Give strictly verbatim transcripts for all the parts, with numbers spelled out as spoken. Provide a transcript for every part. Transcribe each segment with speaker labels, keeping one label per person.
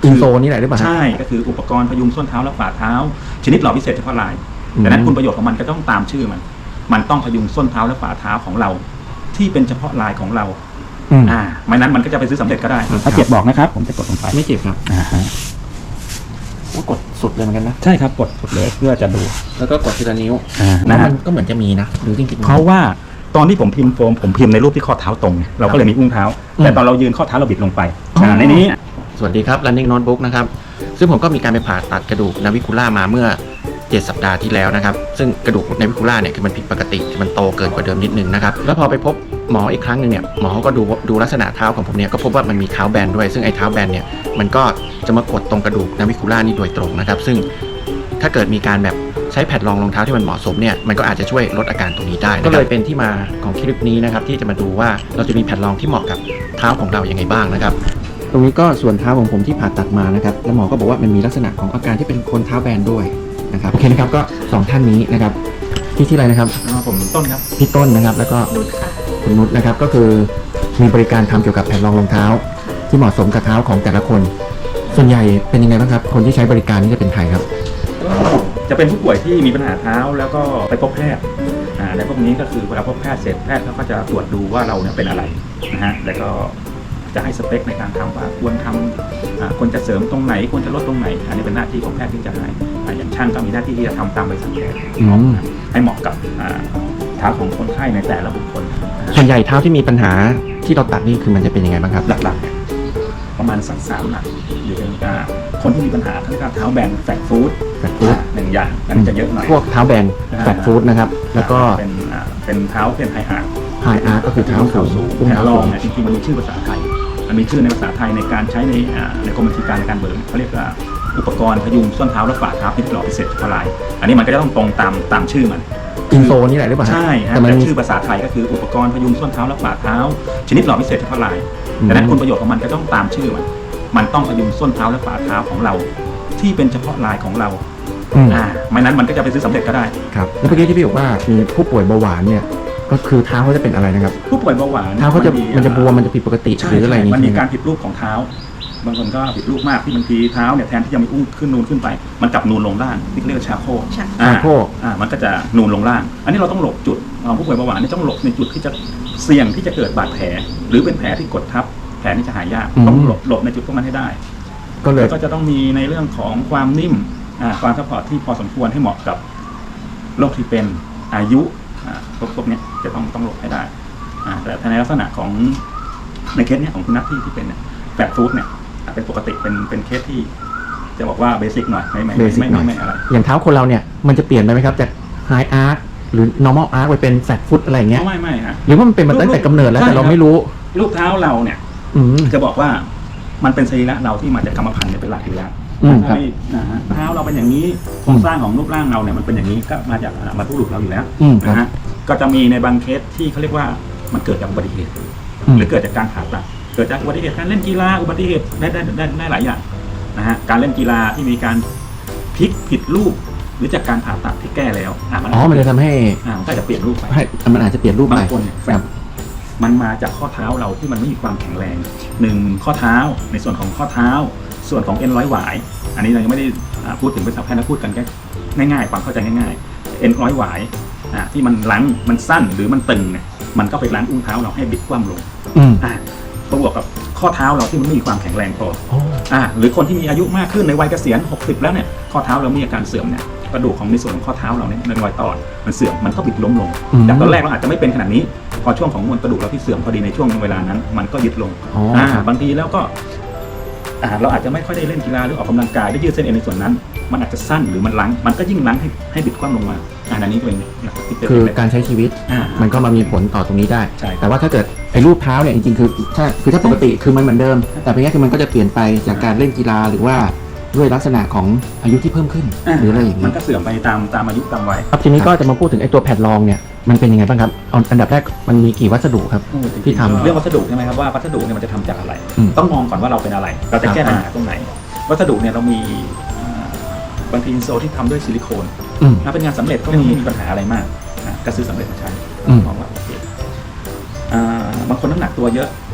Speaker 1: อินโซนี่แหละหรือเปล่า
Speaker 2: ใช่ก็คืออุปกรณ์พยุงส้นเท้าและฝ่าเท้าชนิดหล่อพิเศษเฉพาะลายดังนั้นคุณประโยชน์ของมันก็ต้องตามชื่อมันมันต้องพยุงส้นเท้าและฝ่าเท้าของเราที่เป็นเฉพาะลายของเราอ่าไม่นั้นมันก็จะไปซื้อสำเร็จก็ได้ถ้าเจ็บบอกนะครับผมจะกดลงไป
Speaker 1: ไม่เจ็บครับ
Speaker 2: อ่าฮะ
Speaker 1: ก็กดสุดเลยเหมือนกันนะ
Speaker 2: ใช่ครับกดสุดเลยเพื่อจะดู
Speaker 1: แล้วก็กดทีละนิ้ว
Speaker 2: อ่านะ
Speaker 1: มันก็เหมือนจะมีนะหรือจริงๆ
Speaker 2: เพราะว่าตอนที่ผมพิมพ์โฟมผมพิมพ์ในรูปที่ข้อเท้าตรงเราก็เลยมีอุ้งเท้าแต่ตอนเรายืนข้อเท้าเราบิดลงไปในนี้
Speaker 1: สวัสดีครับ Running Notebook นะครับซึ่งผมก็มีการไปผ่าตัดกระดูกนาวิคูล่ามาเมื่อเจ็ดสัปดาห์ที่แล้วนะครับซึ่งกระดูกนาวิคูล่าเนี่ยคือมันผิดปกติมันโตเกินกว่าเดิมนิดนึงนะครับแล้วพอไปพบหมออีกครั้งหนึ่งเนี่ยหมอก็ดูดูลักษณะเท้าของผมเนี่ยก็พบว่ามันมีเท้าแบนด้วยซึ่งไอ้เท้าแบนเนี่ยมันก็จะมากดตรงกระดูกนาวิคูล่านี่โดยตรงนะครับซึ่งถ้าเกิดมีการแบบใช้แผ่นรองรองเท้าที่มันเหมาะสมเนี่ยมันก็อาจจะช่วยลดอาการตรงนี้ได้ก็เลยเป็นที่มาของคลิปนี้นะครับที่จะมาดูว่าเราจะมีแผ่นรองที่เหมาะกับเท้าของเรายังไงบ้างนะครับตรงนี้ก็ส่วนเท้าของผมที่ผ่าตัดมานะครับแล้วหมอก็บอกว่ามันมีลักษณะของอาการที่เป็นคนเท้าแบนด้วยนะครับโอเคนะครับก็สองท่านนี้นะครับที่ที่อะไรนะครับ
Speaker 2: ผมต้นครับ
Speaker 1: พี่ต้นนะครับแล้วก็คุณนุชนะครับก็คือมีบริการทำเกี่ยวกับแผ่นรองรองเท้าที่เหมาะสมกับเท้าของแต่ละคนส่วนใหญ่เป็นยังไงบ้างครับคนที่ใช้บริการนี่จะเป็นใครครับ
Speaker 2: จะเป็นผู้ป่วยที่มีปัญหาเท้าแล้วก็ไปพบแพทย์อ่าในพวกนี้ก็คือเวลาพบแพทย์เสร็จแพทย์เขาก็จะตรวจดูว่าเราเนี่ยเป็นอะไรนะฮะแล้วก็จะให้สเปคในการทำว่าควรทำควรจะเสริมตรงไหนควรจะลดตรงไหนอันนี้เป็นหน้าที่ของแพทย์ที่จะให้อย่างช่างก็มีหน้าที่ที่จะทำตามใบสั่งแพทย์ให้เหมาะกับเท้าของคนไข้ในแต่ละบุคคล
Speaker 1: ส่วนใหญ่เท้าที่มีปัญหาที่เราตัดนี่คือมันจะเป็นยังไงบ้างครับ
Speaker 2: หลักๆประมาณสักสามหลักอยู่เป็นคนที่มีปัญหาทั้งเท้าแบนแฟตฟู้ด
Speaker 1: แฟตฟู้ด
Speaker 2: หนึ่งอย่างอันนี้จะเยอะหน่อย
Speaker 1: พวกเท้าแบนแฟตฟู้ดนะครับแล้วก็
Speaker 2: เป็นเป็นเท้าเป็นไฮอาร์
Speaker 1: ไฮอาร์ก็คือเท้าสูง
Speaker 2: แผ่นรองเนี่ยจริงๆมันมีชื่อภาษาไทยมันมีชื่อในภาษาไทยในการใช้ในในกรมบัญชีการในการเบิกเขาเรียกว่าอุปกรณ์พยุงส้นเท้าและฝ่าเท้าที่หล่อพิเศษเฉพาะลายอันนี้มันก็จะต้องตรงตามตามชื่อมัน
Speaker 1: อินโซนี่แหละหรือเปล่า
Speaker 2: ใช่ฮะแต่ชื่อภาษาไทยก็คืออุปกรณ์พยุงส้นเท้าและฝ่าเท้าชนิดหล่อพิเศษเฉพาะลายดังนั้นคุณประโยชน์ของมันก็ต้องตามชื่อมันมันต้องพยุงส้นเท้าและฝ่าเท้าของเราที่เป็นเฉพาะลายของเราอ่าไม่นั้นมันก็จะไปซื้อสำเร็จก็ได้
Speaker 1: ครับแล้วเมื่อกี้ที่พี่บอกว่ามีผู้ป่วยเบาหวานเนี่ยก็คือเท้าเขาจะเป็นอะไรนะครับ
Speaker 2: ผู้ป่วยเบาหวาน
Speaker 1: เท้าเขาจะมันจะบวมมันจะผิดปกติหรืออะไรนี้
Speaker 2: มันมีการผิดรูปของเท้าบางคนก็ผิดรูปมากที่บางทีเท้าเนี่ยแทนที่จะมีอุ้งขึ้นนูนขึ้นไปมันกลับนูนลงล่างที่เรียกว่าชาโค
Speaker 1: ชาโค
Speaker 2: อ่ามันก็จะนูนลงล่างอันนี้เราต้องหลบจุดผู้ป่วยเบาหวานนี่ต้องหลบในจุดที่จะเสี่ยงที่จะเกิดบาดแผลหรือเป็นแผลที่กดทับแผลนี่จะหายยากต้องหลบหลบในจุดพวกนั้นให้ได้
Speaker 1: ก็เลย
Speaker 2: ก็จะต้องมีในเรื่องของความนิ่มความซัพพอร์ตที่พอสมควรให้เหมาะกับโรคที่เป็นอายุพวกพวกนี้จะต้องต้องหลบให้ได้แต่ในลักษณะของในเคสเนี้ยของคุณนัทที่ที่เป็นแฟตฟู้ดเนี่ยเป็นปกติเป็นเป็นเคสที่จะบอกว่าเบสิกหน่อยไม่ไม่ไม่ไม่ไม่อะไร
Speaker 1: อย่างเท้าคนเราเนี่ยมันจะเปลี่ยนไปไหมครับจากไฮอาร์คหรือ normal arc ไปเป็นแฟตฟู้ดอะไรเงี้ย
Speaker 2: ไม่ไม่ฮะ
Speaker 1: หรือว่ามันเป็นมาตั้งแต่กำเนิดแล้วแต่เราไม่รู้
Speaker 2: รูปเท้าเราเนี่ยจะบอกว่ามันเป็นสรีระเราที่มาจากกรรมพันธุ์เป็นหลักอยู่แล้วเท้าเราเป็นอย่างนี้โครงสร้างของรูปร่างเราเนี่ยมันเป็นอย่างนี้ก็มาจากบรรพบุรุษเราอยู่แล้วนะฮะก็จะมีในบางเคสที่เขาเรียกว่ามันเกิดจากอุบัติเหตุหรือเกิดจากการผ่าตัดเกิดจากอุบัติเหตุการเล่นกีฬาอุบัติเหตุได้ได้ได้ได้หลายอย่างนะฮะการเล่นกีฬาที่มีการพลิกผิดรูปหรือจากการผ่าตัดที่แก้แล้ว
Speaker 1: อ๋อมันจะทำให้
Speaker 2: มันก็จะเปลี่ยนรูปไป
Speaker 1: มันอาจจะเปลี่ยนรูปไป
Speaker 2: บางคนแบบมันมาจากข้อเท้าเราที่มันไม่มีความแข็งแรงหนึ่งข้อเท้าในส่วนของข้อเท้าส่วนของเอ็นร้อยหวายอันนี้เรายังไม่ได้พูดถึงเป็นศัพท์แพทย์นะพูดกันแค่ง่ายๆความเข้าใจง่ายๆเอ็นร้อยหวายที่มันลั้งมันสั้นหรือมันตึงเนี่ยมันก็ไปลั้งอุ้งเท้าเราให้บิดคว่ำลงประกอบกับข้อเท้าเราที่มันไม่มีความแข็งแรงพออ่าหรือคนที่มีอายุมากขึ้นในวัยเกษียณหกสิบแล้วเนี่ยข้อเท้าเรามีอาการเสื่อมเนี่ยกระดูกของในส่วนของข้อเท้าเราเนี่ยในรอยต่อมันเสื่อมมันก็บิดล้มลงจากตอนแรกเราอาจจะไม่เป็นขนาดนี้พอช่วงของมวลกระดูกเราที่เสื่อมพอดีในช่วงเวลานั้นมันก็ยึดลงอ่าบางทีแล้วก็อ่าเราอาจจะไม่ค่อยได้เล่นกีฬาหรือออกกำลังกายได้ยืดเส้นเอ็นในส่วนนั้นมันอาจจะสั้นหรือมันลั้งมันก็ยิ่งลั้งให้ให้บิดคว่ำลงมาอันนี้ก็เป็น
Speaker 1: คือการใช้ชีวิตมันก็มามีผลต่อตรงนี้ได้แต่ว่าถ้าเกิดไอ้รูปเท้าเนี่ยจริงๆคือถ้าคือถ้าปกติคือมันเหมือนเดิมแต่เพียงแค่คือมันก็จะเปลี่ยนไปจากการเล่นกีฬาหรือว่าด้วยลักษณะของอายุที่เพิ่มขึ้นหรืออะไรอย่างนี้
Speaker 2: มันก็เสื่อมไปตามตามอายุตามวัย
Speaker 1: ครับทีนี้ก็จะมาพูดถึงไอ้ตัวแผ่นรองเนี่ยมันเป็นยังไงบ้างครับอันดับแรกมันมีกี่วัสดุครับที่ทำ
Speaker 2: เรื่องวัสดุใช่ไหมครับว่าวัสดุเนี่ยมันจะทำจากอะไรต้องมองก่อนว่าเราเป็นอะไรเราจะแก้ปัญหาตรงไหนวัสดุเนี่ยเรามีบางทีอินโซที่ทำด้วยซิลิโคนถ้าเป็นงานสำเร็จก็ไม่มีปัญหาอะไรมากก็ซื้อสำเร็จมาใช้มองว่าโอเคบางคนน้ำหนักตัวเยอะ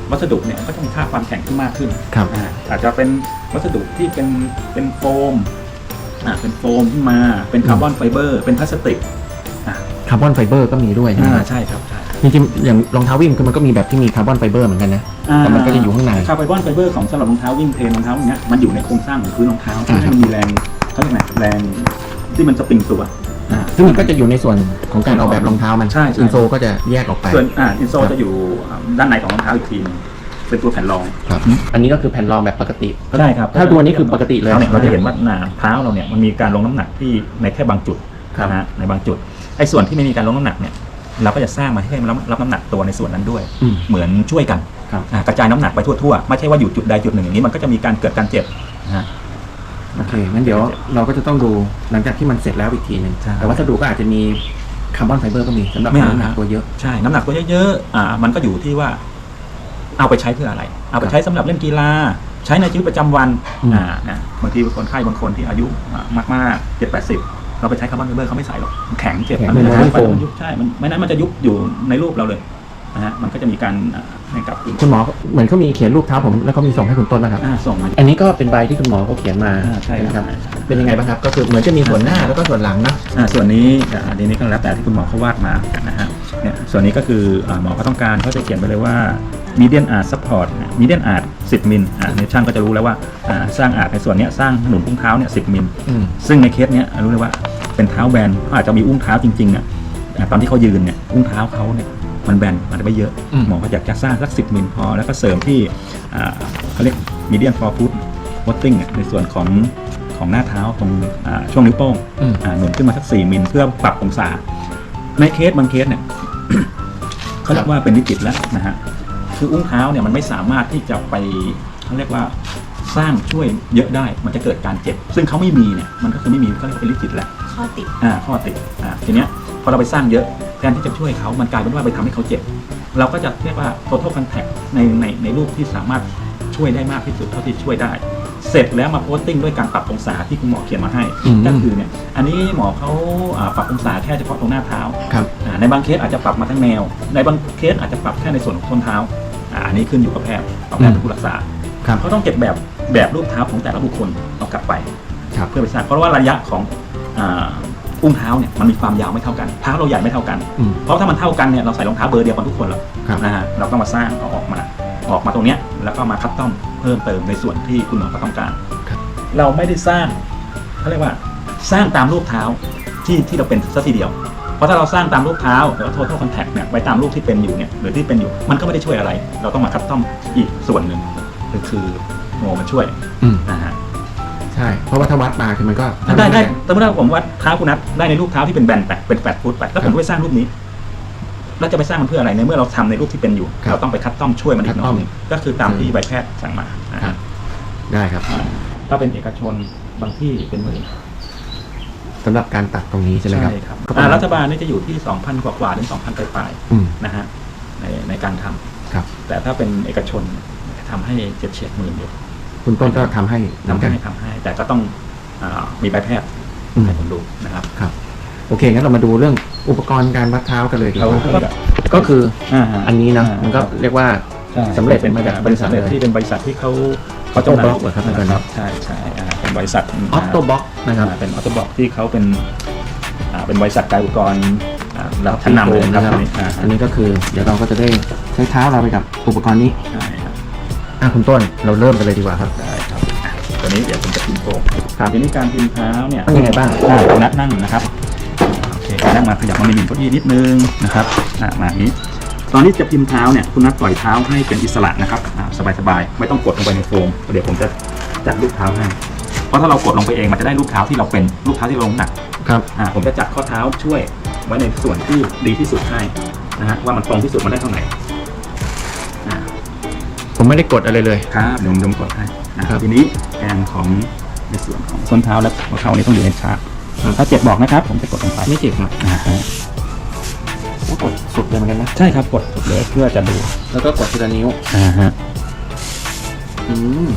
Speaker 2: วัสดุเนี่ยก็จะมีค่าความแข็งที่มากขึ้น
Speaker 1: ครับ
Speaker 2: อ่าอาจจะเป็นวัสดุที่เป็นเป็นโฟมอ่าเป็นโฟมขึ้นมาเป็นคาร์บอนไฟเบอร์เป็นพลาสติกอ่า
Speaker 1: คาร์บอนไฟเบอร์ก็มีด้วยใช่ไหมครับ
Speaker 2: ใช่ครับใช่
Speaker 1: จริงๆอย่างรองเท้าวิ่งคือมันก็มีแบบที่มีคาร์บอนไฟเบอร์เหมือนกันนะแต่มันก็จะอยู่ข้างใน
Speaker 2: คาร์บอนไฟเบอร์ของสำหรับรองเท้าวิ่งเทรนรองเท้าอย่างเงี้ยมันอยู่ในโครงสร้างของพื้นรองเท้า
Speaker 1: อ่า
Speaker 2: ที่มันมีแรงเขาเรียกไงแรงที่มันสปริงตัวอ่า
Speaker 1: ซึ่งมันก็จะอยู่ในส่วนของการออกแบบรองเท้ามัน
Speaker 2: ใช่ใช่
Speaker 1: อินโซก็จะแยกออกไป
Speaker 2: ส่วนอ่าอินโซ
Speaker 1: ครับ
Speaker 2: จะอยู่ด้านในของรองเท้าอีกทีนึงเป็นตัวแผ่นรอง
Speaker 1: ครับอันนี้ก็คือแผ่นรองแบบปกติ
Speaker 2: ใช่ครับ
Speaker 1: ถ้าตัวนี้คือปกติเลย
Speaker 2: เราจะเห็นว่าหนาเท้าเราเนี่ยมันมีการลงน้ำหนักที่ในแค่บางจุด
Speaker 1: ครับ
Speaker 2: นะฮะในบางจุดไอ้ส่วนที่ไม่มีการลงน้ำหนักเนี่ยเราก็จะสร้างมาให้มันรับรับน้ำหนักตัวในส่วนนั้นด้วย
Speaker 1: อืม
Speaker 2: เหมือนช่วยกัน
Speaker 1: ครับ
Speaker 2: อ่ากระจายน้ำหนักไปทั่วๆไม่ใช่ว่าอยู่จุดใดจุดหนึ่งอย่างนี้มันก็จะมีการเกิดการเจ็บนะฮะ
Speaker 1: โอเคงั้นเดี๋ยวเราก็จะต้องดูหลังจากที่มันเสร็จแล้วอีกทีหนึ่ง
Speaker 2: ใช่
Speaker 1: แต่วัสดุก็อาจจะมีคาร์บอนไฟเบอร์ก็มีสำหรับ
Speaker 2: ไม่
Speaker 1: น้ำหนักตัวเยอะ
Speaker 2: ใช่น้ำหนักตัวเยอะๆอ่ามันก็อยู่ที่ว่าเอาไปใช้เพื่ออะไร เอาไปใช้สำหรับเล่นกีฬาใช้ในชีวิตประจำวัน
Speaker 1: อืม
Speaker 2: อ่านะบางทีคนไข้บางคนที่อายุอ่ามากๆเจ็ดแปดสิบเราไปใช้คาร์บอนไฟเบอร์เขาไม่ใส่หรอกมันแข็งเจ็บ
Speaker 1: แข็ง
Speaker 2: มัน
Speaker 1: มันไม่โฟม
Speaker 2: มันยุบใช่มันไม่นั้นมันจะยุบอยู่ในรูปเราเลยนะฮะมันก็จะมีการอ่าให้กับคุณ
Speaker 1: คุณหมอเหมือนเขามีเขียนรูปเท้าผมแล้วเขามีส่งให้คุณต้นนะครับ
Speaker 2: อ่าส่งมา
Speaker 1: อันนี้ก็เป็นใบที่คุณหมอเขาเขียนมา
Speaker 2: อ่าใช่ครับ
Speaker 1: นะครับเป็นยังไงบ้างครับก็คือเหมือนจะมีส่วนหน้าแล้วก็ส่วนหลังนะ
Speaker 2: อ่าส่วนนี้อ่าอันนี้ก็แล้วแต่ที่คุณหมอเขาวาดมานะฮะเนี่ยส่วนนี้ก็คืออ่าหมอเขาต้องการเขาจะเขียนไปเลยว่า median art support median art สิบมิลอ่าในช่างก็จะรู้แล้วว่าอ่าสร้างอาร์ตในส่วนเนี้ยสร้างหนุนอุ้งเท้าเนี่ยสิบมิล
Speaker 1: อืม
Speaker 2: ซึ่งในเคสเนี้ยรู้เลยว่าเป็นเท้าแบนเขาอาจจะมีอุ้งเท้าจริงๆอ่ะอ่าตอนที่เขายืนเนี่ยอุ้งเท้าเขาเนี่ยมันแบนมันไม่เยอะ
Speaker 1: อืม
Speaker 2: หมอก็อยากจะสร้างสักสิบมิลพอแล้วก็เสริมที่อ่าเขาเรียก median forefoot botting อ่ะในส่วนของของหน้าเท้าตรงอ่าช่วงนิ้วโป้ง
Speaker 1: อืม
Speaker 2: อ่าหนุนขึ้นมาสักสี่มิลเพื่อปรับองศา ในเคสบางเคสเนี่ย เขาเรียกว่าเป็นวิกฤตแล้วนะฮะคืออุ้งเท้าเนี่ยมันไม่สามารถที่จะไปเขาเรียกว่าสร้างช่วยเยอะได้มันจะเกิดการเจ็บ ซึ่งเขาไม่มีเนี่ยมันก็คือไม่มีเขาเรียกว่าเป็นวิกฤตแล้ว
Speaker 3: ข้อติด
Speaker 2: อ่าข้อติดอ่าทีเนี้ยพอเราไปสร้างเยอะแทนที่จะช่วยเขามันกลายเป็นว่าไปทำให้เขาเจ็บ เราก็จะเรียกว่า total contact ในในในรูปที่สามารถช่วยได้มากที่สุดเท่าที่ช่วยได้ เสร็จแล้วมาโพสติ้งด้วยการปรับองศาที่คุณหมอเขียนมาให้
Speaker 1: อืม
Speaker 2: ก็คือเนี่ยอันนี้หมอเขาอ่าปรับองศาแค่เฉพาะตรงหน้าเท้า
Speaker 1: ครับ
Speaker 2: อ่าในบางเคสอาจจะปรับมาทั้งแนว ในบางเคสอาจจะปรับแค่ในส่วนของส้นเท้าอ่าอันนี้ขึ้นอยู่กับแพทย์เอาแพทย์เป็นผู้รักษา
Speaker 1: ครับ
Speaker 2: เขาต้องเก็บแบบแบบรูปเท้าของแต่ละบุคคลเอากลับไป
Speaker 1: ครับ
Speaker 2: เพื่อไปสร้างเพราะว่าระยะของอ่าอุ้งเท้าเนี่ยมันมีความยาวไม่เท่ากันเท้าเราใหญ่ไม่เท่ากัน
Speaker 1: อืม
Speaker 2: เพราะถ้ามันเท่ากันเนี่ยเราใส่รองเท้าเบอร์เดียวกันทุกคนหรอก
Speaker 1: ครับ
Speaker 2: นะฮะเราก็มาสร้างเอาออกมาออกมาตรงเนี้ยแล้วก็มาคัสตอมเพิ่มเติมในส่วนที่คุณหมอเขาต้องการ
Speaker 1: ครับ
Speaker 2: เราไม่ได้สร้างเขาเรียกว่าสร้างตามรูปเท้าที่ที่เราเป็นสักทีเดียว เพราะถ้าเราสร้างตามรูปเท้าหรือว่า total contact เนี่ยไปตามรูปที่เป็นอยู่เนี่ยหรือที่เป็นอยู่มันก็ไม่ได้ช่วยอะไร เราต้องมาคัสตอมอีกส่วนหนึ่งคือคือโมมาช่วย
Speaker 1: อืม
Speaker 2: นะฮะ
Speaker 1: ใช่ เพราะว่าถ้าวัดมาคือมันก็
Speaker 2: ได้ได้สมมติว่าผมว่าเท้าคุณนัทได้ในรูปเท้าที่เป็นแบนไปเป็นแฟลตฟุตไปแล้วผมก็ไปสร้างรูปนี้แล้วจะไปสร้างมันเพื่ออะไรในเมื่อเราทำในรูปที่เป็นอยู่
Speaker 1: ครับ
Speaker 2: เราต้องไปคัสตอมช่วยมันอีกหน่อยหนึ่ง
Speaker 1: คัสตอม
Speaker 2: ก็คือตามที่ใบแพทย์สั่งมานะ
Speaker 1: ครั
Speaker 2: ฮะ
Speaker 1: บได้ครับ
Speaker 2: ถ้าเป็นเอกชนบางที่เป็นหมื่น
Speaker 1: สำหรับการตัดตรงนี้ใช่ไหมครับ
Speaker 2: ครับ
Speaker 1: ก็ประ
Speaker 2: อ่า
Speaker 1: มาณ
Speaker 2: รัฐบาลนี่จะอยู่ที่ สองพัน กว่าๆถึง สองพัน ปลาย
Speaker 1: อืม
Speaker 2: ๆนะฮะในในการทำ
Speaker 1: ครับ
Speaker 2: แต่ถ้าเป็นเอกชนทำให้เจ็ดเฉียดหมื่นอยู่
Speaker 1: คุณต้นก็ทำให้เหมือน
Speaker 2: ทำ
Speaker 1: กัน
Speaker 2: ให้ทำให้ แต่ก็ต้องอามีใบแพทย์
Speaker 1: อืม
Speaker 2: ให้ผมดูนะครับ
Speaker 1: ครับ โอเคงั้นเรามาดูเรื่องอุปกรณ์การวัดเท้ากันเลยดีก
Speaker 2: เรา
Speaker 1: ว่า
Speaker 2: ก็
Speaker 1: ก็ก็คือ
Speaker 2: อ่า
Speaker 1: อันนี้นะมันก็เรียกว่า สำเร็จ
Speaker 2: เป็น
Speaker 1: มาจาก
Speaker 2: บริษัท
Speaker 1: บริษัทเลย
Speaker 2: ที่เป็นบริษัทที่เขาเขา
Speaker 1: Octoblock เหรอครับ
Speaker 2: นะ
Speaker 1: อาจารย์
Speaker 2: ครับใช่ใช่อ่าเป็นบริษัท
Speaker 1: ออฟโตบ็อกนะครับ
Speaker 2: อ่าเป็นออโตบ็อกที่เขาเป็นอ่าเป็นบริษัทการอุปกรณ์อ่าระดับชั้นนำเลยนะ
Speaker 1: นะ
Speaker 2: ค
Speaker 1: ค
Speaker 2: รั
Speaker 1: รั
Speaker 2: บบ อ่า
Speaker 1: อันนี้ก็คือเดี๋ยวเราก็จะได้ใช้เท้าเราไปกับอุปกรณ์นี้
Speaker 2: ใช่ครับ
Speaker 1: อ่ะคุณต้นเราเริ่มกันเลยดีกว่าครับ
Speaker 2: ได้ครับอ่ะตัวนี้เดี๋ยวผมจะพิมพ์โฟม
Speaker 1: ครับ
Speaker 2: ทีนี้การพิมพ์เท้าเนี่ย
Speaker 1: ต้องยังไงบ้าง
Speaker 2: อ่านัดนั่งนะครับโอเคนั่งมาขยับมาในหนึ่งเก้าอี้นิดนึงนะครับอ่ามาอย่างนี้ ตอนนี้จะพิมพ์เท้าเนี่ยคุณนัดปล่อยเท้าให้เป็นอิสระนะครับอ่าสบายๆไม่ต้องกดลงไปในโฟมเดี๋ยวผมจะจัดรูปเท้าให้เพราะถ้าเรากดลงไปเองมันจะได้รูปเท้าที่เราเป็นรูปเท้าที่เราลงหนัก
Speaker 1: ครับ
Speaker 2: อ่าผมจะจัดข้อเท้าช่วยไว้ในส่วนที่ดีที่สุดให้นะฮะว่ามันตรงที่สุดมันได้เท่าไหร่อ่า
Speaker 1: ผมไม่ได้กดอะไรเลย
Speaker 2: ครับเดี๋ยวผมกดให้นะครับ ทีนี้แกนของในส่วนของส้นเท้าและหัวเข่านี้ต้องอยู่ในชาร์ต
Speaker 1: ครับ
Speaker 2: ถ้าเจ็บบอกนะครับ ผมจะกดลงไป
Speaker 1: ไม่เจ็บครับ
Speaker 2: อ่าฮะ
Speaker 1: โอ้กดสุดเลยเหมือนกันนะ
Speaker 2: ใช่ครับกดสุดเลยเพื่อจะดู
Speaker 1: แล้วก็กดทีละนิ้ว
Speaker 2: อ่าฮะ
Speaker 1: อืม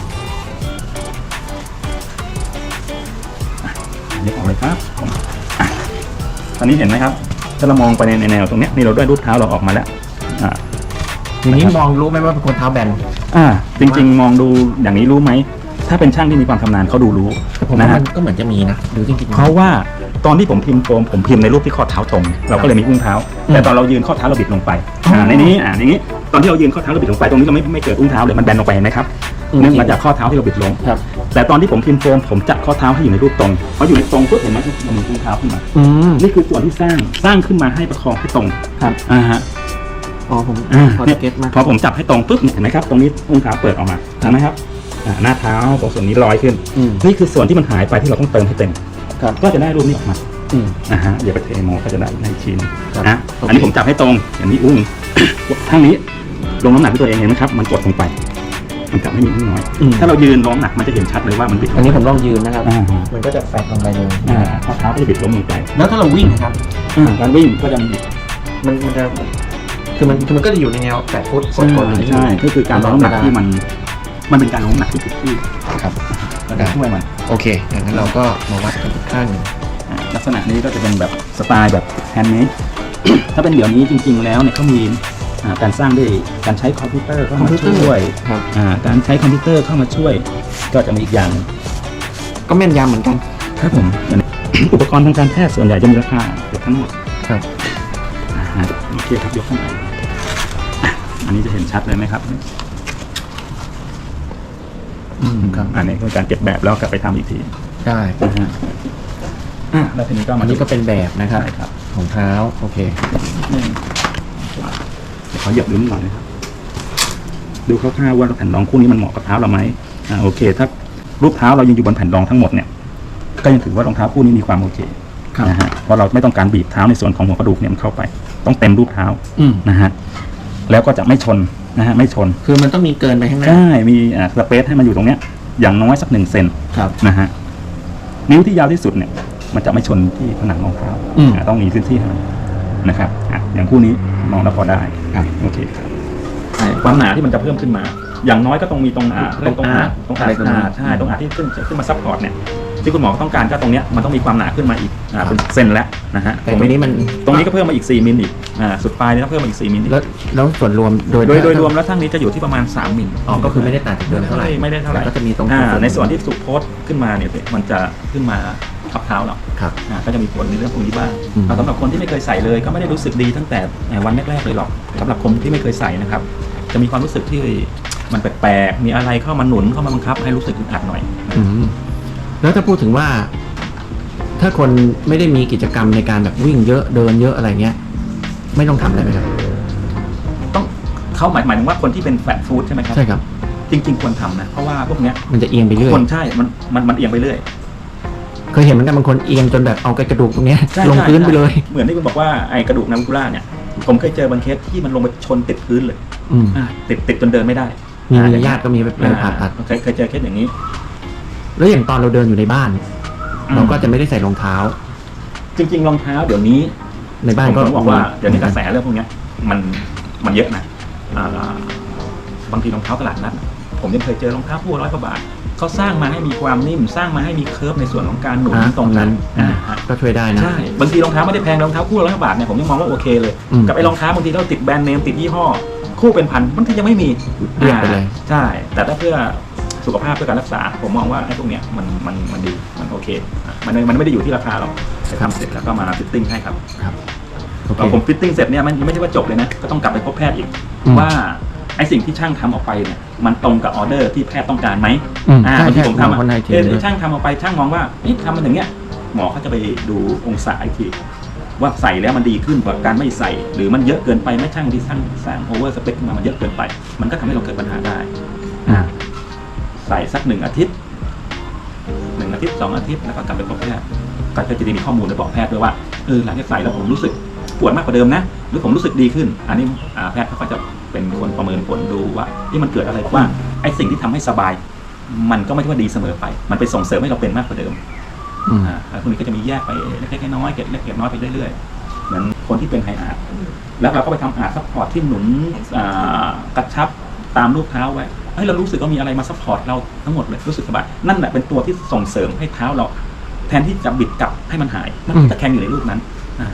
Speaker 2: นี่ออกเลยครับผมอ่ะตอนนี้เห็นไหมครับถ้าเรามองไปในแนวตรงเนี้ยนี่เราได้รูปเท้าเราออกมาแล้วอ่า
Speaker 1: อย่างนี้มองรู้ไหมว่าเป็นคนเท้าแบน
Speaker 2: อ่าจริงๆ มองดูอย่างนี้รู้ไหมถ้าเป็นช่างที่มีความชำนาญเขาดูรู้
Speaker 1: แต่ผม
Speaker 2: นะ
Speaker 1: ว่า
Speaker 2: ฮะ
Speaker 1: มันก็เหมือนจะมีนะหรือจริงๆ
Speaker 2: เพราะว่าตอนที่ผมพิมพ์โฟมผมพิมพ์ในรูปที่ข้อเท้าตรง เราก็เลยมีอุ้งเท้า
Speaker 1: อืม
Speaker 2: แต่ตอนเรายืนข้อเท้าเราบิดลงไป
Speaker 1: อ๋ออ่
Speaker 2: อ่าในนี้อ่าในนี้ตอนที่เรายืนข้อเท้าเราบิดลงไปตรงนี้เราไม่ไม่เกิดอุ้งเท้าเลยมันแบนลงไปเห็นไหมครับ
Speaker 1: อืม
Speaker 2: เนื่องมาจากข้อเท้าที่เราบิดลง
Speaker 1: ครับ
Speaker 2: แต่ตอนที่ผมพิมพ์โฟมผมจัดข้อเท้าให้อยู่ในรูปตรงพออยู่ในตรงปุ๊บเห็นไหมมันมีอุ้งเท้าขึ้นมา
Speaker 1: อืม
Speaker 2: นี่คือส่วนที่สร้างสร้างขึ้นมาให้ประคองให้ตรง
Speaker 1: ครับ
Speaker 2: อ่าฮะ
Speaker 1: อ๋อผม
Speaker 2: อ่า
Speaker 1: พอ
Speaker 2: เนี่ย
Speaker 1: เก็ตมาก
Speaker 2: พอผมจับให้ตรงปุ๊บเห็นไหมครับตรงนี้อุ้งเท้าเปิดออกมาเห็นไหมครับอ่าหน้าเท้าตรงส่วนนี้ลอยขึ้น
Speaker 1: อืม
Speaker 2: นี่คือส่วนที่มันหายไปที่เราต้องเติมให้เต็ม
Speaker 1: ครับ
Speaker 2: ก็จะได้รูปนี้ออกมา
Speaker 1: อืม
Speaker 2: นะฮะเดี๋ยวไปเทโมก็จะได้ในชิ้น
Speaker 1: ครับ
Speaker 2: นะ
Speaker 1: โอเค
Speaker 2: อันนี้ผมจับให้ตรงอย่างนี้อุ้ง ข้างนี้ลงน้ำหนักที่ตัวเองเห็นไหมครับมันกดลงไปมันจับให้มีนิดน้อย
Speaker 1: อืม
Speaker 2: ถ้าเรายืนลงน้ำหนักมันจะเห็นชัดเลยว่ามันบิดล
Speaker 1: อัน
Speaker 2: ง
Speaker 1: นี้
Speaker 2: ไป
Speaker 1: ผมลองยืนนะครับ
Speaker 2: อ่า
Speaker 1: มันก็จะแฝงลงไปเลย
Speaker 2: อ่าข้อเท้าก็จะบิดล้มลงไป
Speaker 1: แล้วถ้าเราวิ่งนะครับ
Speaker 2: อ่าการวิ่งก็จะมี
Speaker 1: มันมันจะคือมันคือมันก็จะอยู่ในแนวแปดฟุต
Speaker 2: ใช่
Speaker 1: กดๆอย่างนี้
Speaker 2: ใช่ก็คือการลงน้ำหนักที่มันมันเป็นการลงน้ำหนักที่ถูกที่
Speaker 1: ครับ
Speaker 2: แล้วก็ช่วยมัน
Speaker 1: โอเคอย่างนั้นเราก็มาวัดกันอีกข้างหนึ่ง
Speaker 2: อ่าลักษณะนี้ก็จะเป็นแบบสไตล์แบบแฮนด์เมด ถ้าเป็นเดี๋ยวนี้จริง ๆ แล้วเนี่ยเขามีอ่าการสร้างด้วยการใช้คอมพิวเตอร์เข้ามาช่วย
Speaker 1: ครับ
Speaker 2: อ่าการใช้คอมพิวเตอร์เข้ามาช่วย ก็จะมีอีกอย่างหนึ่ง
Speaker 1: ก็แม่นยำเหมือนกัน
Speaker 2: ครับผม อุปกรณ์ทางการแพทย์ส่วนใหญ่จะมีราคาเกือบทั้งหมด
Speaker 1: ครับ
Speaker 2: อ่าโอเคครับยกขึ้นมาอ่ะอันนี้จะเห็นชัดเลยไหมครับ
Speaker 1: อืมครับ
Speaker 2: อันนี้คือการเก็บแบบแล้วกลับไปทำอีกที
Speaker 1: ใช่
Speaker 2: นะฮะอ่ะแล้วทีนี้ก็
Speaker 1: อั
Speaker 2: มาน
Speaker 1: นี้ก็เป็นแบบนะครับ
Speaker 2: ใช่ครับ
Speaker 1: ของเท้าโอเค
Speaker 2: นี่เดี๋ยวขอเหยียบลิ้นหน่อยนะครับดูคร่าวๆว่าแผ่นรองคู่นี้มันเหมาะกับเท้าเราไหมอ่าโอเค ถ้ารูปเท้าเรายังอยู่บนแผ่นรองทั้งหมดเนี่ยก็ยังถือว่ารองเท้าคู่นี้มีความโอเค
Speaker 1: ครับ
Speaker 2: นะฮะเพราะเราไม่ต้องการบีบเท้าในส่วนของหัวกระดูกเนี่ยมันเข้าไป ต้องเต็มรูปเท้า
Speaker 1: อืม
Speaker 2: นะฮะแล้วก็จะไม่ชนนะฮะไม่ชน
Speaker 1: คือมันต้องมีเกินไปข้างหน้า
Speaker 2: ใช่มีอ่าสเปซให้มันอยู่ตรงเนี้ยอย่างน้อยสักหนึ่งเซน
Speaker 1: ครับ
Speaker 2: นะฮะนิ้วที่ยาวที่สุดเนี่ยมันจะไม่ชนที่ผนังรองเท้า
Speaker 1: อืม
Speaker 2: อ่าต้องมีพื้นที่ให้มันนะครับอ่ะอย่างคู่นี้มองแล้วพอได้
Speaker 1: ครับ
Speaker 2: โอเคครับ
Speaker 1: ใช่
Speaker 2: ความหนาที่มันจะเพิ่มขึ้นมา อย่างน้อยก็ต้องมีตรงอ่า
Speaker 1: ตรง
Speaker 2: ตรงอา
Speaker 1: อาร์
Speaker 2: ตรงอา
Speaker 1: อะไรตรงนี้
Speaker 2: ใช่ตรงอาที่ขึ้นขึ้นมาซัพพอร์ตเนี่ยที่คุณหมอต้องการก็ตรงเนี้ยมันต้องมีความหนาขึ้นมาอีกอ่าเป็นเซนแล้วนะฮะ
Speaker 1: แต่ตรงนี้มัน
Speaker 2: ตรงนี้ก็เพิ่มมาอีกสี่มิลอีกอ่าสุดปลายนี่ต้องเพิ่มมาอีกสี่มิลอีก
Speaker 1: แล้วแล้วส่วนรวมโดย
Speaker 2: โดยโดยรวมแล้วทั้งนี้จะอยู่ที่ประมาณสามมิล
Speaker 1: อ๋อก็คือไม่ได้ต่างจากเดิมเท่าไหร่
Speaker 2: ไม่ได้เท่าไหร่
Speaker 1: แต่ก็จะมีตรง
Speaker 2: อ่าในส่วนที่สุดโพสต์ขึ้นมาเนี่ยมันจะขึ้นมาทับเท้าเรา
Speaker 1: ครับ
Speaker 2: อ่าก็จะมีผลในเรื่องพวกนี้บ้าง
Speaker 1: อืม
Speaker 2: แต่สำหรับคนที่ไม่เคยใส่เลยก็ไม่ได้รู้สึกดีตั้งแต่วันแรกๆเลยหรอกสำหรับคนที่ไม่เคยใส่นะครับ จะมีความรู้สึกที่มันแปลกๆมีอะไรเข้ามาหนุนเข้ามาบังคับให้รู้สึกอึดอัดหน่อย
Speaker 1: อืมแล้วถ้าพูดถึงว่า ถ้าคนไม่ได้มีกิจกรรมในการแบบวิ่งเยอะเดินเยอะอะไรเงี้ย ไม่ต้องทำอะไรไหมครับ
Speaker 2: ต้องเขาหมายหมายถึงว่าคนที่เป็นแฟตฟู้ดใช่ไหมครับ
Speaker 1: ใช่ครับ
Speaker 2: จริงๆควรทำนะเพราะว่าพวกเนี้ย
Speaker 1: มันจะเอียงไปเรื่อย
Speaker 2: คนใช่มันมันมันเอียงไปเรื่อย
Speaker 1: เคยเห็นเหมือนกันบางคนเอียงจนแบบเอากระดูกตรงเนี้ย
Speaker 2: ใช่
Speaker 1: ลง
Speaker 2: ใช่
Speaker 1: พื้นไปเลย
Speaker 2: เหมือนที่คุณบอกว่าไอ้กระดูกนาวิคูล่าเนี่ยผมเคยเจอบางเคสที่มันลงไปชนติดพื้นเลย
Speaker 1: อืม
Speaker 2: อ่าติดติดจนเดินไม่ได้
Speaker 1: มี
Speaker 2: อ่
Speaker 1: ญาติก็มีไปผ่าตัด
Speaker 2: เคยเคยเจอเคสอย่างนี้
Speaker 1: แล้วอย่างตอนเราเดินอยู่ในบ้าน เราก็จะไม่ได้ใส่รองเท้า
Speaker 2: จริงๆรองเท้าเดี๋ยวนี้
Speaker 1: ในบ้าน
Speaker 2: ผม
Speaker 1: ก็
Speaker 2: ต้องบอกว่าเดี๋ยวนี้กระแสเรื่องพวกเนี้ยมันมันเยอะนะอ่าบางทีรองเท้าตลาดนัดผมยังเคยเจอรองเท้าคู่ร้อยกว่าบาทเขาสร้างมาให้มีความนิ่มสร้างมาให้มีเคิร์ฟในส่วนของการหนุน
Speaker 1: อ่า
Speaker 2: ตรงนั้น
Speaker 1: อ่า
Speaker 2: อ่า
Speaker 1: ก็ช่วยได้นะ
Speaker 2: ใช่บางทีรองเท้าไม่ได้แพงรองเท้าคู่ร้อยกว่าบาทเนี่ยผมยังมองว่าโอเคเลย
Speaker 1: อืม
Speaker 2: กับไอ้รองเท้าบางทีเราติดแบรนด์เนมติดยี่ห้อ คู่เป็นพันบางทียังไม่มี
Speaker 1: เรียกไปเลย
Speaker 2: อ่าใช่ แต่ถ้าเพื่อสุขภาพเพื่อการรักษา ผมมองว่าไอ้พวกเนี้ยมันมันมันดีมันโอเคอ่ะมันมันไม่ได้อยู่ที่ราคาหรอกทำเสร็จแล้วก็มาฟิตติ้งให้ครับ
Speaker 1: ครับโอเค
Speaker 2: พอผมฟิตติ้งเสร็จเนี่ยมันไม่ใช่ว่าจบเลยนะก็ต้องกลับไปพบแพทย์อีก
Speaker 1: อืม
Speaker 2: ว่าไอ้สิ่งที่ช่างทำออกไปเนี่ยมันตรงกับออเดอร์ที่แพทย์ต้องการไหม
Speaker 1: อืม
Speaker 2: อ่า
Speaker 1: ใช่
Speaker 2: บางที
Speaker 1: ใช่
Speaker 2: ผมทำอ่ะ
Speaker 1: คนไทยที
Speaker 2: เออ
Speaker 1: ด้วย
Speaker 2: ช่างทำออกไปช่างมองว่าเอ๊ะทำมันอย่างเงี้ยหมอเขาจะไปดูองศาอีกทีว่าใส่แล้วมันดีขึ้นกว่าการไม่ใส่ หรือมันเยอะเกินไปไม่ช่างที่ช่างสร้างโอเวอร์สเปคขึ้นมามันเยอะเกินไป มันก็ทำให้เราเกิดปัญหาได้
Speaker 1: อ่า
Speaker 2: ใส่สักหนึ่งอาทิตย์หนึ่งอาทิตย์สองอาทิตย์แล้วก็กลับไปพบแพทย์ก็จะมีข้อมูลไปบอกแพทย์ด้วยว่าเออหลังจากใส่แล้วผมรู้สึกปวดมากกว่าเดิมนะหรือผมรู้สึกดีขึ้น อันนี้อ่าแพทย์เขาก็จะเป็นคนประเมินผลดูว่าที่มันเกิดอะไรว่าไอ้สิ่งที่ทำให้สบาย มันก็ไม่ใช่ว่าดีเสมอไป มันไปส่งเสริมให้เราเป็นมากกว่าเดิม
Speaker 1: อืม
Speaker 2: อ่าแล้วพวกนี้ก็จะมีแยกไปเล็กๆน้อยๆเก็บเล็กเก็บน้อยไปเรื่อยๆเหมือนคนที่เป็นไฮอาร์ตแล้วเราก็ไปทำอาร์ตซัพพอร์ตที่หนุนอ่ากระชับตามรูปเท้าไว้เฮ้ยเรารู้สึกว่ามีอะไรมาซัพพอร์ตเราทั้งหมดเลยรู้สึกสบายนั่นแหละเป็นตัวที่ส่งเสริมให้เท้าเรา แทนที่จะบิดกลับให้มันหายมันก็จะแข็งอยู่ในรูปนั้นอ่า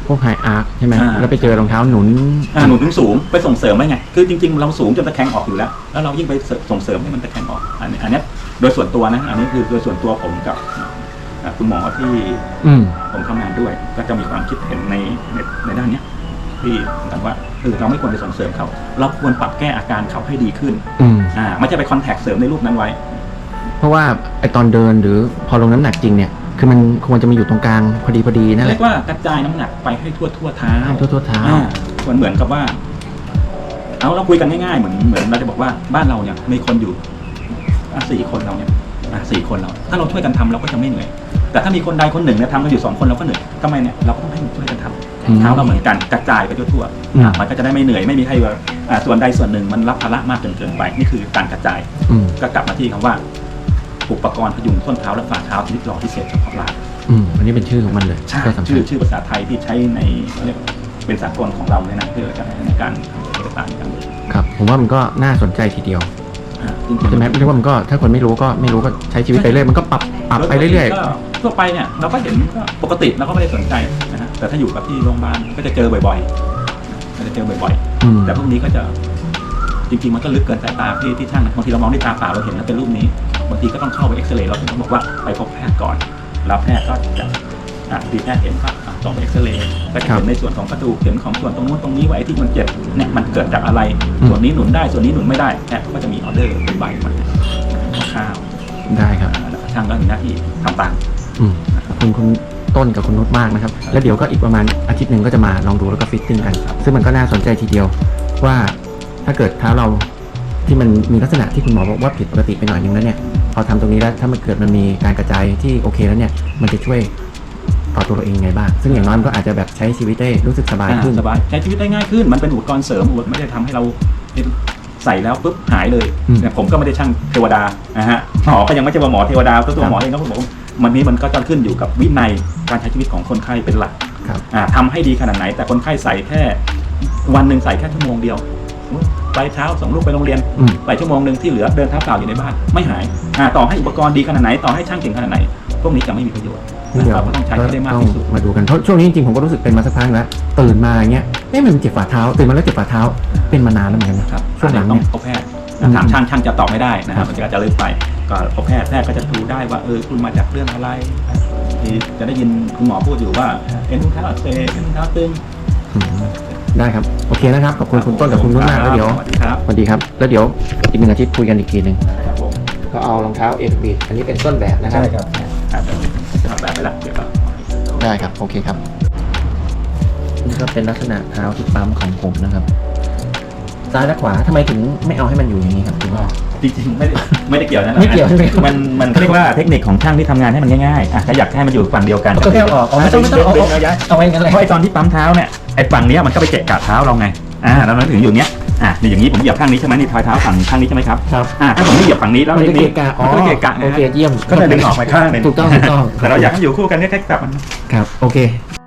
Speaker 1: พวกไฮอาร์คใช่ไหม
Speaker 2: อ่า
Speaker 1: แล้วไปเจอรองเท้าหนุน
Speaker 2: อ่าหนุนถึงสูงไปส่งเสริมไว้ไงคือจริงๆเราสูงจนตะแคงออกอยู่แล้วแล้วเรายิ่งไปส่งเสริมให้มันตะแคงออกอันนี้อันนี้โดยส่วนตัวนะอันนี้คือโดยส่วนตัวผมกับอ่าคุณหมอที่
Speaker 1: อืม
Speaker 2: ผมทำงานด้วย ก็จะมีความคิดเห็นในในในด้านเนี้ยที่กันว่าเออเราไม่ควรไปส่งเสริมเขาเราควรปรับแก้อาการเขาให้ดีขึ้น
Speaker 1: อืม
Speaker 2: อ่าไม่ใช่ไปคอนแทคเสริมในรูปนั้นไว้
Speaker 1: เพราะว่าไอตอนเดินหรือพอลงน้ำหนักจริงเนี่ยคือมันควรจะมาอยู่ตรงกลางพอดีพอดีนั่นแห
Speaker 2: เรีย
Speaker 1: ละ
Speaker 2: กว่ากระจายน้ำหนักไปให้ทั่วทั่วเท้า
Speaker 1: ให้ทั่วทั่วเท้า
Speaker 2: อ่ามันเหมือนกับว่า เอาเราคุยกันง่ายๆเหมือนเหมือนเราจะบอกว่าบ้านเราเนี่ยมีคนอยู่อ่ะสี่คนเราเนี่ยอ่ะสี่คนเรา ถ้าเราช่วยกันทำเราก็จะไม่เหนื่อย แต่ถ้ามีคนใดคนหนึ่งเนี่ยทำกันอยู่สองคนเราก็เหนื่อยทำไมเนี่ยเราก็ต้องให้ช่วยกันทำเท้าเราเหมือนกันกระจายไปทั่วๆอ่ะมันก็จะได้ไม่เหนื่อยไม่มีใครว่าอ่ะส่วนใดส่วนหนึ่งมันรับภาระมากจนเกินไปนี่คือการกระจาย
Speaker 1: อืม
Speaker 2: ก็กลับมาที่คำว่า อุปกรณ์พยุงส้นเท้าและฝ่าเท้าชนิดหล่อพิเศษเฉพาะลาย
Speaker 1: อืมอันนี้เป็นชื่อของมันเลย
Speaker 2: ใช่
Speaker 1: ก็สำคั
Speaker 2: ชื่
Speaker 1: ญ
Speaker 2: อชื่อภาษาไทยที่ใช้ในเขาเรียกเป็นสากลของเราเลยนะเพื่อในการทำเอกสารการเดิน
Speaker 1: ครับ ผมว่ามันก็น่าสนใจทีเดียว
Speaker 2: อ่าจริงๆ
Speaker 1: ใช่ไหมเรียกว่ามันก็ถ้าคนไม่รู้ก็ไม่รู้ก็ใช้ชีวิตไปเรื่อยมันก็ปรับปรับไปเรื่อย
Speaker 2: ก็ทั่วไปเนี่ยเราก็เห็นก็ปกติเราก็ไม่ได้สนใจนะฮะแต่ถ้าอยู่กับที่โรงพยาบาลก็จะเจอบ่อยๆก็จะเจอบ่อย
Speaker 1: ๆอืม
Speaker 2: ๆ แต่พวกนี้ก็จะจริงๆมันก็ลึกเกินสายตาที่ที่ช่างนะบางทีเรามองด้วยตาเปล่าเราเห็นแล้วเป็นรูปนี้บางทีก็ต้องเข้าไปเอ็กซเรย์เราถึงต้องบอกว่าไปพบแพทย์ก่อนแล้วแพทย์ก็จะอ่ะดีแพทย์เห็นก็อ่ะส่งไปเอ็กซเรย์ก็จะเห็นในส่วนของกระดูกเห็นของส่วนตรงนู้นตรงนี้ไว้ที่มันเจ็บเนี่ยมันเกิดจากอะไรส่วนนี้หนุนได้ส่วนนี้หนุนไม่ได้แพทย์ก็จะมีออเดอร์เป็นใบมาข้าว
Speaker 1: ได้ครับ
Speaker 2: ๆแล้วก็ช่างก็มีหน้าที่ทำตาม
Speaker 1: อืมขอบคุณคุณต้นกับคุณนุชมากนะครับ แล้วเดี๋ยวก็อีกประมาณอาทิตย์หนึ่งก็จะมาลองดูแล้วก็ฟิตติ้งกัน ซึ่งมันก็น่าสนใจทีเดียวว่าถ้าเกิดเท้าเราที่มันมีลักษณะที่คุณหมอบอกว่าผิดปกติไปหน่อยนึงแล้วเนี่ยพอทำตรงนี้แล้วถ้ามันเกิดมันมีการกระจายที่โอเคแล้วเนี่ยมันจะช่วยต่อตัวเราเองยังไงบ้างซึ่งอย่างน้อยมันก็อาจจะแบบใช้ชีวิตได้รู้สึกสบายขึ้น
Speaker 2: สบายใช้ชีวิตได้ง่ายขึ้นมันเป็นอุปกรณ์เสริมอุปกรณ์ไม่ได้ทำให้เราใส่แล้วปุ๊บหายเลย
Speaker 1: อืม
Speaker 2: เนี่ยผมก็ไม่ได้ช่างเทวดานะฮะหมอก็ยังไม่ใช่ว่าหมอเทวดาตัวตัวหมอเองก็บอกว่ามันนี้มันก็จะขึ้นอยู่กับวินัยการใช้ชีวิตของคนไข้เป็นหลัก
Speaker 1: ครับ
Speaker 2: อ่าทำให้ดีขนาดไหน แต่คนไข้ใส่แค่วันหนึ่งใส่แค่ชั่วโมงเดียวไปเช้าส่งลูกไปโรงเรียน
Speaker 1: อืม
Speaker 2: ไปชั่วโมงหนึ่งที่เหลือเดินเท้าเปล่าอยู่ในบ้านไม่หายอ่าต่อให้อุปกรณ์ดีขนาดไหนต่อให้ช่างเก่งขนาดไหนพวกนี้จะไม่มีประโยชน์
Speaker 1: นี่เดี๋ยว
Speaker 2: เราก็ต้องใช้ให้ได้มาก
Speaker 1: ต้อง
Speaker 2: ที่สุด
Speaker 1: มาดูกันเพราะช่วงนี้จริงๆผมก็รู้สึกเป็นมาสักพักแล้วตื่นมาอย่างเงี้ยเอ๊ะมันเจ็บฝ่าเท้าตื่นมาแล้วเจ็บฝ่าเท้าเป็นมานานแล้วเหมือนกันนะครับ ช่วงหลัง
Speaker 2: ต้อ
Speaker 1: เนี่
Speaker 2: ง
Speaker 1: ย
Speaker 2: พบแพทย์
Speaker 1: อืม
Speaker 2: ถามช่างช่างจะตอบไม่ได้นะค
Speaker 1: ครั
Speaker 2: รับบ มันก็จะลึกไปก็พบแพทย์แพทย์ก็จะดูได้ว่าเออคุณมาจากเรื่องอะไรที่จะได้ยินคุณหมอพูดอยู่ว่าเอ็นอุ้งเท้าอักเสบเอ็นอุ้งเท้าตึง
Speaker 1: อืมได้ครับโอเคนะครับขอบคุณคุณต้นกับคุณนุชมากแล้วเดี๋ยว
Speaker 2: สวัสดีครับ
Speaker 1: สวัสดีครับแล้วเดี๋ยวอีกหนึ่งอาทิตย์คุยกันอีกทีหนึ่ง
Speaker 2: ครับผม
Speaker 1: ก็เอารองเท้าเอฟบีอันนี้เป็นต้นแบบนะครับ
Speaker 2: ครับอ่าทำแบบไปละเดี๋ยวก็
Speaker 1: ได้ครับโอเคครับนี่ก็เป็นลักษณะเท้าที่ปั๊มของผมนะครับซ้ายและขวาทำไมถึงไม่เอาให้มันอยู่อย่างนี้ครับคุณว่า
Speaker 2: จริงๆไม่ได้ไม่ได้เกี่ยวนะ
Speaker 1: ไม่เกี่ยวใช่ไหมครับ
Speaker 2: มันมันเขาเรียกว่าเทคนิคของช่างที่ทำงานให้มันง่ายๆอ่ะถ้าอยากให้มันอยู่ฝั่งเดียวกัน
Speaker 1: ก็แค่เอาออกเอาไม่ต้องไม่ต้องเอา
Speaker 2: ดึ
Speaker 1: เอา
Speaker 2: เอาย้าย
Speaker 1: เอาไว้กันเลย
Speaker 2: เพราะไอ้ตอนที่ปั๊มเท้าเนี่ยไอ้ฝั่งเนี้ยมันก็ไปเกะกะเท้าเราไงอ่าแล้วเราถึงอยู่เนี้ยอ่ะนี่อย่างนี้ผมเหยียบข้างนี้ใช่ไหมนี่ทอยเท้าฝั่งข้างนี้ใช่ไหมครับ
Speaker 1: ครับ
Speaker 2: อ่าถ้าผมไม่เหยียบฝั่งนี้แล้ว
Speaker 1: มันจะ
Speaker 2: นี่
Speaker 1: เกะกะอ๋อ
Speaker 2: มันก็เกะกะนะ
Speaker 1: โอ
Speaker 2: ฮะ
Speaker 1: เคเยี่ยม
Speaker 2: ก็จะดึงออกไปข้างหนึง
Speaker 1: ถูกต้องถูกต้อง
Speaker 2: แต่เราอยากให้อยู่คู่กันเนี่ยแค่จับมัน
Speaker 1: ครับโอเค